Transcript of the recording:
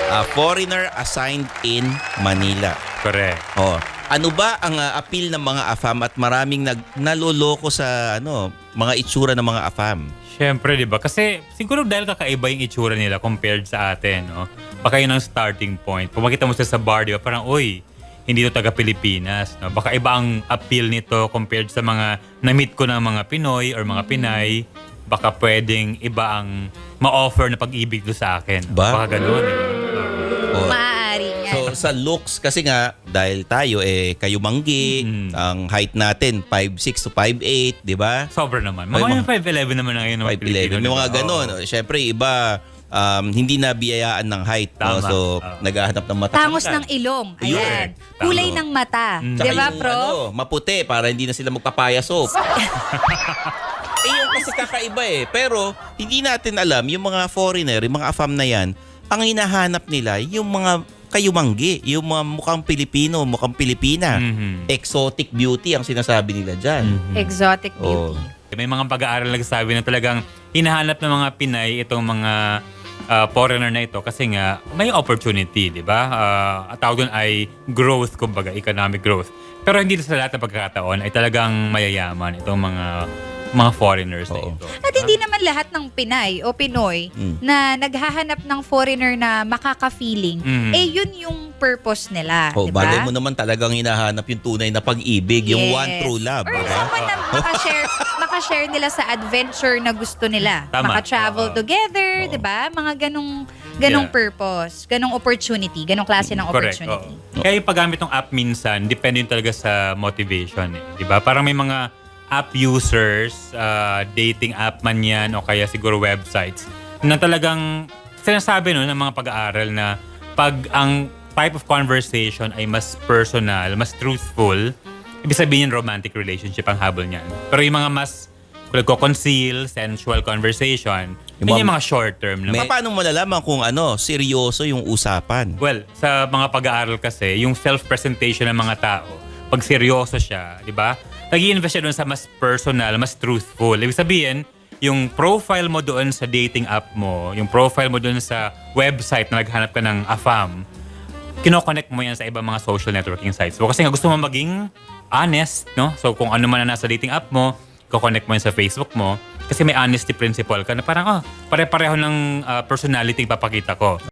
Foreigner assigned in Manila. Correct. Oh, ano ba ang appeal ng mga AFAM at maraming naloloko sa mga itsura ng mga AFAM? Siyempre, di ba? Kasi siguro dahil kakaiba yung itsura nila compared sa atin, no? Baka yun ang starting point. Kung makita mo sila sa bar, di ba? Parang, uy, hindi to taga-Pilipinas. No? Baka iba ang appeal nito compared sa mga na-meet ko ng mga Pinoy or mga Pinay. Baka pwedeng iba ang ma-offer na pag-ibig do sa akin. Ba? Baka ganun. Oh. Maaari nga. So sa looks kasi nga dahil tayo kayumanggi, ang height natin 5'6 to 5'8, 'di ba? Sobra naman. Ay, Mga 5'11 naman na ngayon ng mga 5'11. Pilipino. May mga diba? ganun. Oo. Siyempre iba hindi nabiyayaan ng height, no? Tama. So naghahanap ng mata. Tangos ng ilong. Ayan. Correct. Kulay Tama. ng mata. Tsaka Di ba, yung, Prof? maputi para hindi na sila magpapaya soap. Yung kasi kakaiba Pero hindi natin alam, yung mga foreigner, yung mga AFAM na yan, ang hinahanap nila, yung mga kayumanggi, yung mga mukhang Pilipino, mukhang Pilipina. Exotic beauty ang sinasabi nila dyan. Exotic Oh. beauty. May mga pag-aaral nagsasabi na talagang hinahanap ng mga Pinay itong mga foreigner na ito kasi nga may opportunity, di ba? At tawag doon ay growth, kumbaga, economic growth. Pero hindi sa lahat ng pagkakataon ay talagang mayayaman itong mga foreigners na Oo. ito. At hindi naman lahat ng Pinay o Pinoy na naghahanap ng foreigner na makaka-feeling, yun yung purpose nila. Oh, di ba? bagay mo naman talagang hinahanap yung tunay na pag-ibig, yung one true love. Or Diba? someone na makashare nila sa adventure na gusto nila. Tama. Maka-travel Oo. together, Oo. di ba? Mga ganong Yeah. purpose, ganong opportunity, ganong klase ng Correct. opportunity. Oo. Kaya yung paggamit ng app minsan, depende yun talaga sa motivation. Di ba? Parang may mga app users, dating app man yan o kaya siguro websites, na talagang sinasabi ng mga pag-aaral na pag ang type of conversation ay mas personal, mas truthful, ibig sabihin romantic relationship ang habol niyan. Pero yung mga mas conceal, sensual conversation, Yung yun yung mga short term. Na Paano mo malalaman kung seryoso yung usapan? Well, sa mga pag-aaral kasi, yung self-presentation ng mga tao, pag seryoso siya, di ba? Nag-i-invest siya doon sa mas personal, mas truthful. Ibig sabihin, yung profile mo doon sa dating app mo, yung profile mo doon sa website na naghanap ka ng AFAM, kinoconnect mo yan sa ibang mga social networking sites. So, kasi nga gusto mo maging honest, no? So, kung ano man na nasa dating app mo, connect mo yan sa Facebook mo. Kasi may honesty principle ka na parang, pare-pareho ng personality papakita ko.